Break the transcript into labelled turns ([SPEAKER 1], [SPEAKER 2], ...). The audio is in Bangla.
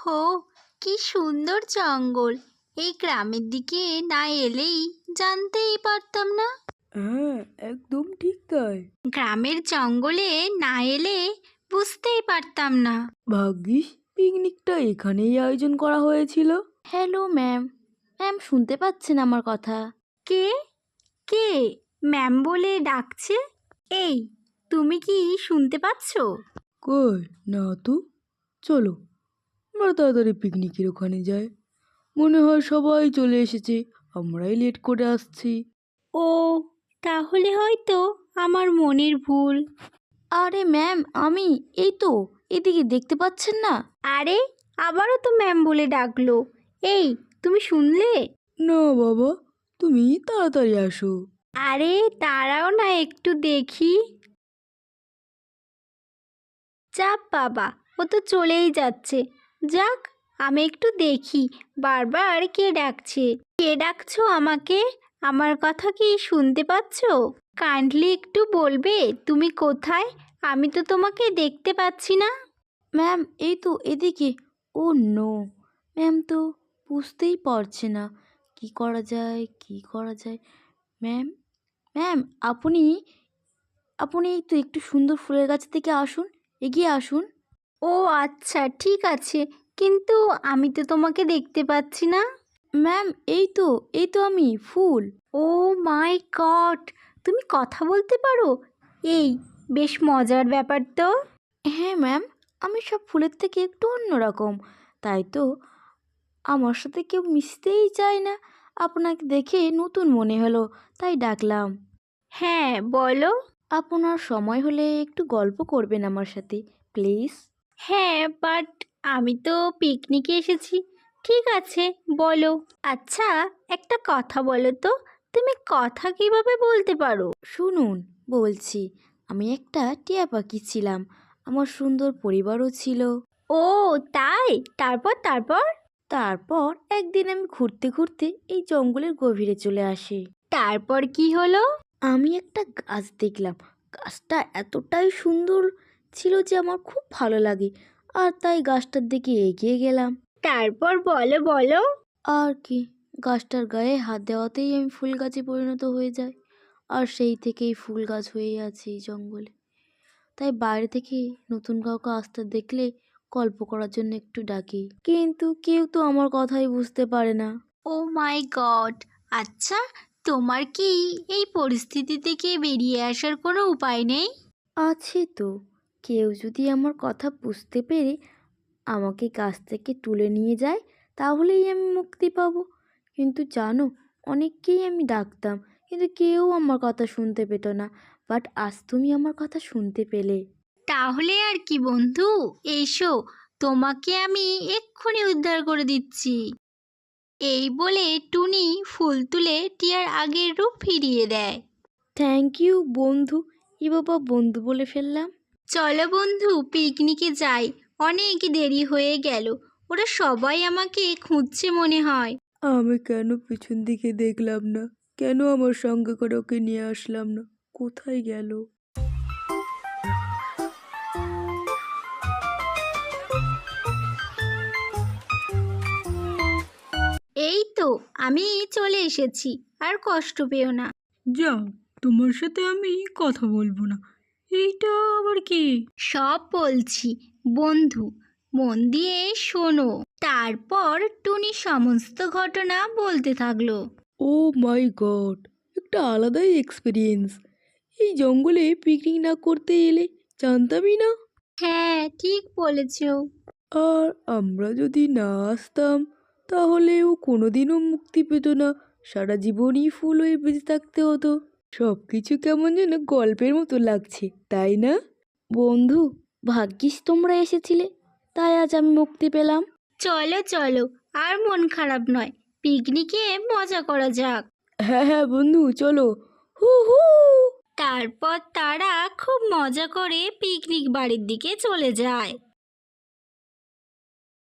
[SPEAKER 1] ওহো, কি সুন্দর জঙ্গল! এই গ্রামের দিকে না এলেই জানতেই পারতাম না।
[SPEAKER 2] হ্যাঁ, একদম ঠিক তাই।
[SPEAKER 1] গ্রামের জঙ্গলে না এলে বুঝতেই পারতাম না।
[SPEAKER 2] ভাগ্যিস পিকনিকটা এখানেই আয়োজন করা হয়েছিল। Hello ma'am. ম্যাম শুনতে পাচ্ছেন আমার কথা?
[SPEAKER 1] কে কে ম্যাম বলে ডাকছে? এই, তুমি কি শুনতে পাচ্ছ?
[SPEAKER 2] কই না তো। চলো আমরা তাড়াতাড়ি পিকনিকের ওখানে যাই। মনে হয় সবাই চলে এসেছে, আমরাই লেট করে আসছি।
[SPEAKER 1] ও, তাহলে হয়তো আমার মনের ভুল।
[SPEAKER 2] আরে ম্যাম আমি এই তো, এদিকে দেখতে পাচ্ছেন না?
[SPEAKER 1] আরে, আবারও তো ম্যাম বলে ডাকলো। এই, তুমি শুনলে?
[SPEAKER 2] না বাবা, তুমি তাড়াতাড়ি আসো।
[SPEAKER 1] আরে দাঁড়াও না, একটু দেখি। চাপ বাবা, ও তো চলেই যাচ্ছে। যাক, আমি একটু দেখি বারবার কে ডাকছে। কে ডাকছো আমাকে? আমার কথা কি শুনতে পাচ্ছো? কাইন্ডলি একটু বলবে তুমি কোথায়? আমি তো তোমাকে দেখতে পাচ্ছি না।
[SPEAKER 2] ম্যাম এই তো এদিকে। ও নো, ম্যাম তো বুঝতেই পারছে না কি করা যায় কি করা যায়। ম্যাম ম্যাম আপনি আপনি এই তো একটু সুন্দর ফুলের গাছ থেকে আসুন, এগিয়ে আসুন।
[SPEAKER 1] ও আচ্ছা, ঠিক আছে, কিন্তু আমি তো তোমাকে দেখতে পাচ্ছি না।
[SPEAKER 2] ম্যাম এই তো আমি ফুল।
[SPEAKER 1] ও মাই গড, তুমি কথা বলতে পারো? এই, বেশ মজার ব্যাপার তো।
[SPEAKER 2] হ্যাঁ ম্যাম, আমি সব ফুলের থেকে একটু অন্যরকম, তাই তো আমার সাথে কেউ মিশতেই চায় না। আপনাকে দেখে নতুন মনে হলো, তাই ডাকলাম।
[SPEAKER 1] হ্যাঁ, বলো।
[SPEAKER 2] আপনার সময় হলে একটু গল্প করবেন আমার সাথে প্লিজ?
[SPEAKER 1] হ্যাঁ, বাট আমি তো পিকনিকে এসেছি। ঠিক আছে, বলো। আচ্ছা, একটা কথা বলো তো, তুমি কথা কিভাবে বলতে পারো?
[SPEAKER 2] শুনুন, বলছি, আমি একটা টিয়া পাখি ছিলাম, আমার সুন্দর পরিবারও ছিল।
[SPEAKER 1] ও তাই, তারপর তারপর?
[SPEAKER 2] তারপর একদিন আমি ঘুরতে ঘুরতে এই জঙ্গলের গভীরে চলে আসি।
[SPEAKER 1] তারপর কি হলো?
[SPEAKER 2] আমি একটা গাছ দেখলাম। গাছটা এতটাই সুন্দর ছিল যে আমার খুব ভালো লাগে, আর তাই গাছটার দিকে এগিয়ে গেলাম।
[SPEAKER 1] তারপর বলো বলো।
[SPEAKER 2] আর কি, গাছটার গায়ে হাত দেওয়াতেই আমি ফুল গাছে পরিণত হয়ে যাই, আর সেই থেকেই ফুল গাছ হয়ে আছে এই জঙ্গলে। তাই বাইরে থেকে নতুন কাউকে আসতে দেখলে গল্প করার জন্য একটু ডাকি, কিন্তু কেউ তো আমার কথাই বুঝতে পারে না।
[SPEAKER 1] Oh my god! আচ্ছা, তোমার কি এই পরিস্থিতি থেকে বেরিয়ে আসার কোনো উপায় নেই?
[SPEAKER 2] আছে তো, কেউ যদি আমার কথা বুঝতে পেরে আমাকে গাছ থেকে তুলে নিয়ে যায় তাহলেই আমি মুক্তি পাবো। কিন্তু জানো, অনেককেই আমি ডাকতাম, কিন্তু কেউ আমার কথা শুনতে পেত না। বাট আজ তুমি আমার কথা শুনতে পেলে।
[SPEAKER 1] তাহলে আর কি বন্ধু, এসো, তোমাকে আমি এক্ষুনি উদ্ধার করে দিচ্ছি। এই বলে টুনি ফুল তুলে টিয়ার আগের রূপ ফিরিয়ে দেয়।
[SPEAKER 2] থ্যাংক ইউ বন্ধু। ই বাবা, বন্ধু বলে ফেললাম।
[SPEAKER 1] চলো বন্ধু, পিকনিকে যাই। অনেক দেরি হয়ে গেল, ওরা সবাই আমাকে খুঁজছে মনে হয়।
[SPEAKER 2] আমি কেন পিছন দিকে দেখলাম না? কেন আমার সঙ্গে করে ওকে নিয়ে আসলাম না? কোথায় গেল?
[SPEAKER 1] এই তো, আমি চলে এসেছি, আর কষ্ট পেও না।
[SPEAKER 2] যাও, তোমার সাথে আমি কথা বলবো না। এইটা আবার কি?
[SPEAKER 1] সব বলছি বন্ধু, মন দিয়ে শোনো। তারপর টুনি সমস্ত ঘটনা বলতে থাকলো।
[SPEAKER 2] ও মাই গড, একটা আলাদাই এক্সপিরিয়েন্স। এই জঙ্গলে পিকনিক না করতে এলে জানতামই না।
[SPEAKER 1] হ্যাঁ, ঠিক বলেছো।
[SPEAKER 2] আর আমরা যদি না আসতাম তাহলে ও কোনোদিনও মুক্তি পেত না, সারা জীবনই ফুল হয়ে বেঁচে থাকতে হতো। সব কিছু কেমন যেন গল্পের মতো লাগছে, তাই না? বন্ধু, ভাগ্যিস তোমরা এসেছিলে, তাই আজ আমি মুক্তি পেলাম।
[SPEAKER 1] চলো চলো, আর মন খারাপ নয়, পিকনিকে মজা করা যাক।
[SPEAKER 2] হ্যাঁ হ্যাঁ বন্ধু, চলো। হু হু।
[SPEAKER 1] তারপর তারা খুব মজা করে পিকনিক বাড়ির দিকে চলে যায়।